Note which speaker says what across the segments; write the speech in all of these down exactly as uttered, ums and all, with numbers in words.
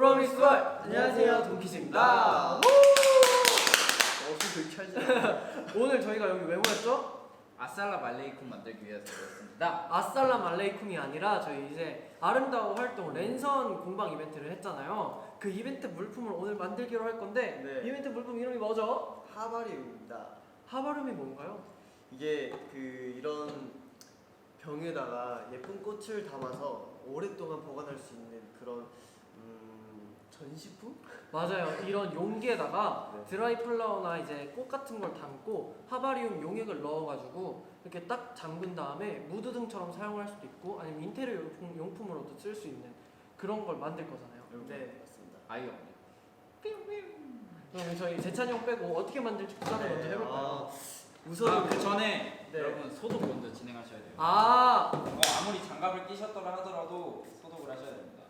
Speaker 1: 프로미스 월 안녕하세요 동키즈입니다. 오늘 저희가 여기 왜 모였죠?
Speaker 2: 아살라 말레이쿰 만들기 위해서 모였습니다.
Speaker 1: 아살라 말레이쿰이 아니라 저희 이제 아름다워 활동 랜선 공방 이벤트를 했잖아요. 그 이벤트 물품을 오늘 만들기로 할 건데
Speaker 3: 네.
Speaker 1: 이벤트 물품 이름이 뭐죠?
Speaker 3: 하바리움입니다.
Speaker 1: 하바름이 뭔가요?
Speaker 3: 이게 그 이런 병에다가 예쁜 꽃을 담아서 오랫동안 보관할 수 있는 그런 음, 전시품?
Speaker 1: 맞아요. 이런 용기에다가
Speaker 3: 네.
Speaker 1: 드라이 플라워나 이제 꽃 같은 걸 담고 하바리움 용액을 넣어가지고 이렇게 딱 잠근 다음에 무드 등처럼 사용할 수도 있고 아니면 인테리어 용품, 용품으로도 쓸 수 있는 그런 걸 만들 거잖아요.
Speaker 3: 네, 맞습니다.
Speaker 2: 아이언.
Speaker 1: 그럼 저희 재찬이 형 빼고 어떻게 만들지 구상을
Speaker 3: 네,
Speaker 1: 먼저 해볼까요?
Speaker 3: 아, 우선
Speaker 2: 아, 그 전에
Speaker 3: 네.
Speaker 2: 여러분 소독 먼저 진행하셔야 돼요.
Speaker 1: 아,
Speaker 2: 어, 아무리 장갑을 끼셨더라 하더라도 소독을 하셔야 됩니다.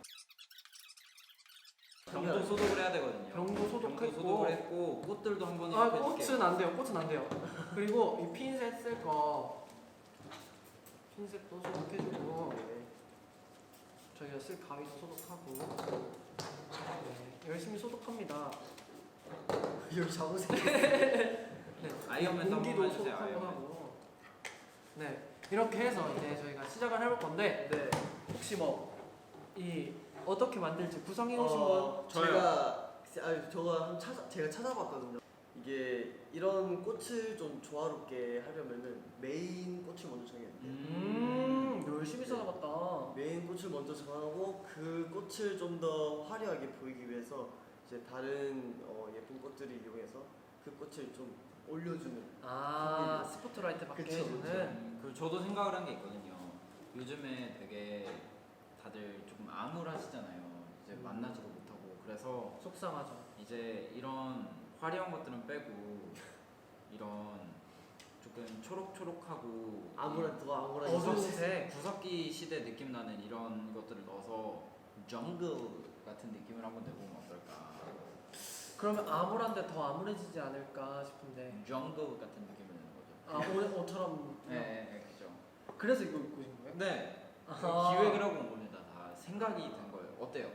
Speaker 2: 병도 소독을 해야 되거든요.
Speaker 1: 병도
Speaker 2: 병도
Speaker 1: 소독했고
Speaker 2: 소독을 했고 꽃들도 한번
Speaker 1: 아,
Speaker 2: 이렇게
Speaker 1: 꽃은
Speaker 2: 해줄게요.
Speaker 1: 안 돼요. 꽃은 안 돼요. 그리고 이 핀셋 쓸 거 핀셋도 소독해주고
Speaker 3: 네.
Speaker 1: 저희가 쓸 가위도 소독하고 네, 열심히 소독합니다.
Speaker 3: 여기 잡으세요.
Speaker 1: 네,
Speaker 2: 아이언맨도 한번
Speaker 1: 공기도
Speaker 2: 해주세요.
Speaker 1: 소독하고
Speaker 2: 아이언맨.
Speaker 1: 하고 네 이렇게 해서 이제 저희가 시작을 해볼 건데
Speaker 3: 네.
Speaker 1: 혹시 뭐 이 어떻게 만들지 구성해 오신 분
Speaker 3: 어,
Speaker 2: 저요.
Speaker 3: 제가 아니 저가 한 찾아 제가 찾아봤거든요. 이게 이런 꽃을 좀 조화롭게 하려면은 메인 꽃을 먼저 정해야 돼요.
Speaker 1: 음 열심히 찾아봤다.
Speaker 3: 메인 꽃을 먼저 정하고 그 꽃을 좀 더 화려하게 보이기 위해서 이제 다른 어, 예쁜 꽃들을 이용해서 그 꽃을 좀 올려주는.
Speaker 1: 아 스포트라이트 받게
Speaker 3: 그쵸,
Speaker 1: 해주는
Speaker 2: 음, 그 저도 생각을 한 게 있거든요. 요즘에 되게 다들 조금 암울하시잖아요. 이제
Speaker 3: 음.
Speaker 2: 만나지도 못하고 그래서
Speaker 1: 속상하죠.
Speaker 2: 이제 이런 화려한 것들은 빼고 이런 조금 초록초록하고
Speaker 3: 아무런 더 아무런
Speaker 1: 어두운
Speaker 3: 이성-
Speaker 1: 색.
Speaker 2: 구석기 시대 느낌 나는 이런 것들을 넣어서 정글 같은 느낌을 한번 내보면 어떨까?
Speaker 1: 그러면 암울한데 더 암울해지지 않을까 싶은데
Speaker 2: 정글 같은 느낌을 내는 거죠.
Speaker 1: 아 오늘 옷처럼
Speaker 2: 네, 네, 네, 그죠.
Speaker 1: 그래서 이거 입고 오신 거예요?
Speaker 2: 네,
Speaker 1: 아하.
Speaker 2: 기획을 하고 온 겁니다. 다 생각이 된 거예요. 어때요?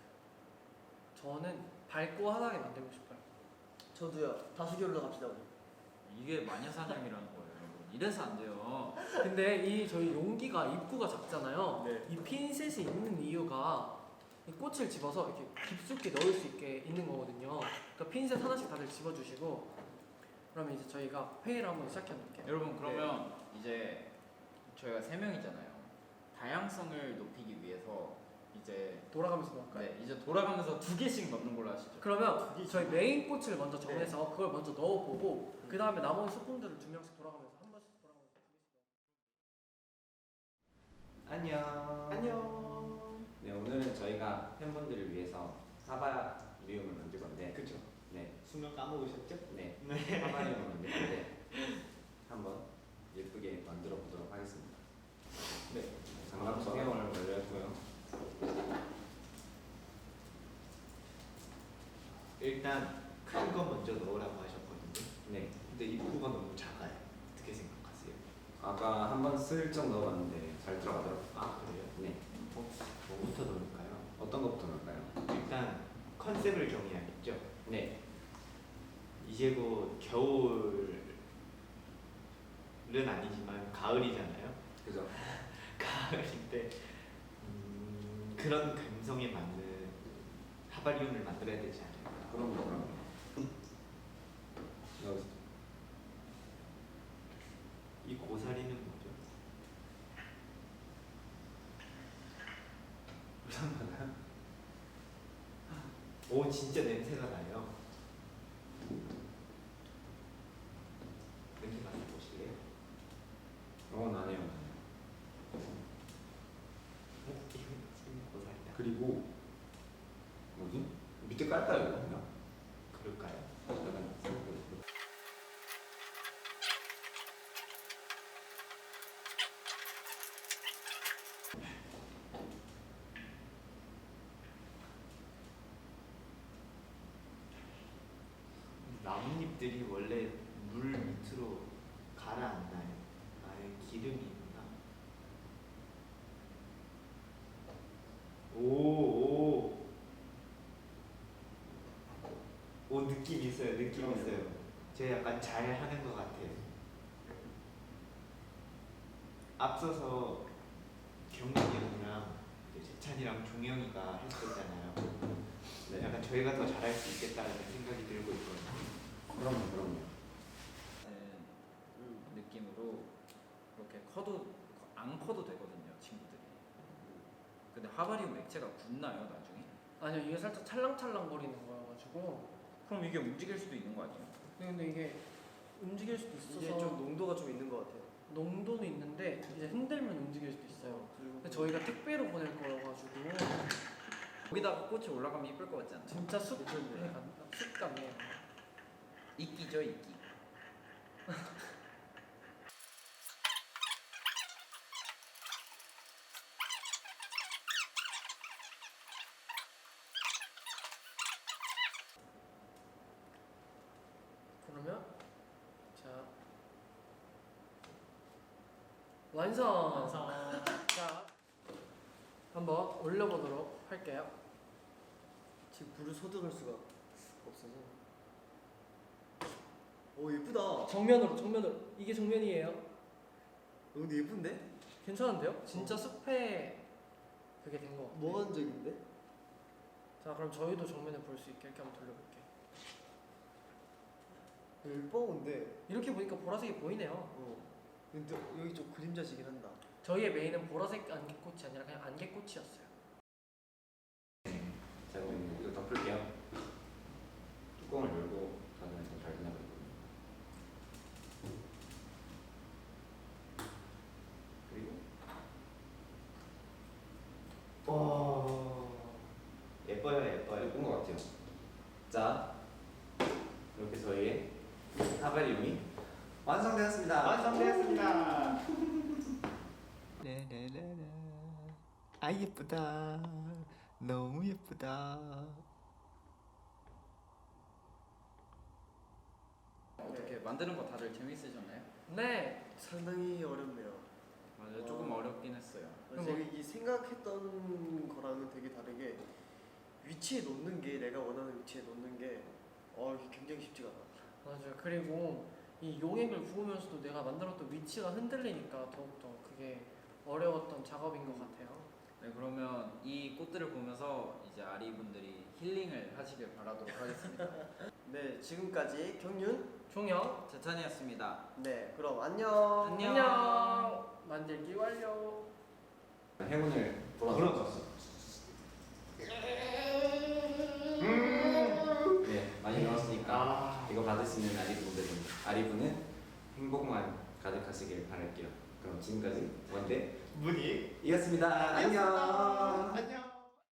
Speaker 1: 저는 밝고 환하게 만들고 싶어요.
Speaker 3: 저도요. 다수결로 갑시다 우리.
Speaker 2: 이게 마녀사냥이라는 거예요, 여러분. 이래서 안 돼요.
Speaker 1: 근데 이 저희 용기가 입구가 작잖아요.
Speaker 3: 네.
Speaker 1: 이 핀셋이 있는 이유가 이 꽃을 집어서 이렇게 깊숙이 넣을 수 있게 있는 거거든요. 그러니까 핀셋 하나씩 다들 집어주시고 그러면 이제 저희가 회의를 한번 시작해 볼게요.
Speaker 2: 여러분 그러면 이제 저희가 세 명이잖아요. 다양성을 높이기 위해서 이제
Speaker 1: 돌아가면서 넣을까요?
Speaker 2: 네, 이제 돌아가면서 두 개씩 넣는 걸로 하시죠.
Speaker 1: 그러면
Speaker 3: 그게
Speaker 1: 저희 메인 꽃을 먼저 정해서
Speaker 3: 네.
Speaker 1: 그걸 먼저 넣어보고 그 다음에 나머지 소품들을 두 명씩 돌아가면서 한 번씩 돌아가면서 두 개씩 넣어.
Speaker 4: 안녕.
Speaker 1: 안녕.
Speaker 4: 네, 오늘은 저희가 팬분들을 위해서 하바리움을 만들 건데.
Speaker 3: 그쵸.
Speaker 4: 네,
Speaker 3: 수명 까먹으셨죠?
Speaker 4: 네, 하바리움을 만들 건데 한번 예쁘게 만들어 보도록 하겠습니다. 네, 장갑 착용을 완료 했고요.
Speaker 5: 일단 큰 거 먼저 넣으라고 하셨거든요.
Speaker 4: 네,
Speaker 5: 근데 입구가 너무 작아요. 어떻게 생각하세요?
Speaker 4: 아까 한번 슬쩍 넣어봤는데 잘 들어가더라고요.
Speaker 5: 아 그래요?
Speaker 4: 네,
Speaker 5: 어, 뭐부터 넣을까요?
Speaker 4: 어떤 것부터 넣을까요?
Speaker 5: 일단 컨셉을 정해야겠죠.
Speaker 4: 네,
Speaker 5: 이제 곧 겨울은 아니지만 가을이잖아요.
Speaker 4: 그죠?
Speaker 5: 가을인데 음, 그런 감성에 맞는 하바리움을 만들어야 되지 않을까.
Speaker 4: 그럼 뭐 그럼 여기서
Speaker 5: 이 고사리는 뭐죠?
Speaker 4: 부산 받아요?
Speaker 5: 오 진짜 냄새가 나요. 냄새 맡아보실래요?
Speaker 4: 어, 나네요.
Speaker 5: 어? 이거 고사리다.
Speaker 4: 그리고 뭐지? 밑에 깔까요 이거 그냥?
Speaker 5: 그럴까요?
Speaker 4: 약간
Speaker 5: 나뭇잎들이 원래 물 밑으로 가라앉나요? 아예 기름이 있나? 오, 오. 오 느낌 있어요. 느낌 있어요. 제가 약간 잘 하는 것 같아요. 앞서서 경민이 형이랑 이제 재찬이랑 종영이가 했었잖아요.
Speaker 4: 네.
Speaker 5: 약간 저희가 더 잘할 수 있겠다는 생각이 들고 있거든요.
Speaker 4: 그럼요, 그럼요.
Speaker 2: 음, 느낌으로 이렇게 커도 안 커도 되거든요, 친구들이. 근데 하바리움 액체가 굳나요, 나중에?
Speaker 1: 아니요, 이게 살짝 찰랑찰랑 거리는 거여가지고.
Speaker 2: 그럼 이게 움직일 수도 있는 거 아니에요?
Speaker 1: 근데 이게 움직일 수도 있어서
Speaker 3: 이게 좀 농도가 좀 있는 것 같아요.
Speaker 1: 농도는 있는데 이제 흔들면 움직일 수도 있어요.
Speaker 3: 그리고
Speaker 1: 근데 저희가 택배로 보낼 거여가지고
Speaker 2: 거기다가 꽃이 올라가면 이쁠 것 같지 않나요?
Speaker 1: 진짜 숲에
Speaker 3: 괜찮네요.
Speaker 1: 간 숲감이에요.
Speaker 2: 이끼죠, 이끼.
Speaker 1: 그러면 자 완성.
Speaker 6: 완성.
Speaker 1: 자 한번 올려보도록 할게요.
Speaker 3: 지금 불을 소등할 수가 없어서. 오 예쁘다.
Speaker 1: 정면으로 정면으로 이게 정면이에요.
Speaker 3: 어, 근데 예쁜데?
Speaker 1: 괜찮은데요? 진짜 숲에 그게 된 거 같아요.
Speaker 3: 몽환적인데?
Speaker 1: 자 그럼 저희도 정면을 볼 수 있게 이렇게 한번 돌려볼게요.
Speaker 3: 예뻐 근데.
Speaker 1: 이렇게 보니까 보라색이 보이네요.
Speaker 3: 어. 근데 여기 좀 그림자지긴 한다.
Speaker 1: 저희의 메인은 보라색 안개꽃이 아니라 그냥 안개꽃이었어요.
Speaker 4: 자, 그럼 이거 덮을게요. 뚜껑을 열고 닫으면 잘 되나 보거든요. 그리고
Speaker 5: 와 예뻐요 예뻐요.
Speaker 4: 예쁜 것 같아요. 자, 이렇게 저희의 하바리움이 완성되었습니다.
Speaker 5: 완성되었습니다. 라라라라. 아 예쁘다. 너무 예쁘다.
Speaker 2: 어떻게 만드는 거 다들 재밌으셨나요?
Speaker 1: 네.
Speaker 3: 상당히 어렵네요.
Speaker 2: 맞아요, 조금
Speaker 3: 와.
Speaker 2: 어렵긴 했어요.
Speaker 1: 그럼
Speaker 3: 제가
Speaker 1: 뭐-
Speaker 3: 이 생각했던 거랑은 되게 다르게 위치에 놓는 게 내가 원하는 위치에 놓는 게 어, 이게 굉장히 쉽지가 않아.
Speaker 1: 맞아요. 그리고 이 용액을 부으면서도 내가 만들었던 위치가 흔들리니까 더욱더 그게 어려웠던 작업인 것 같아요.
Speaker 2: 네, 그러면 이 꽃들을 보면서 이제 아리 분들이 힐링을 하시길 바라도록 하겠습니다.
Speaker 3: 네, 지금까지 경윤.
Speaker 1: 종영.
Speaker 2: 재찬이었습니다.
Speaker 3: 네, 그럼 안녕.
Speaker 2: 안녕.
Speaker 1: 안녕. 만들기 완료.
Speaker 4: 행운을
Speaker 5: 그런
Speaker 4: 불어넣었어. 네, 많이 넣었으니까
Speaker 5: 아.
Speaker 4: 이거 받을 수 있는 아리분들은 아리분은 행복만 가득하시길 바랄게요. 그럼 지금까지 원대
Speaker 5: 문이
Speaker 4: 이었습니다. 안녕.
Speaker 5: 안녕.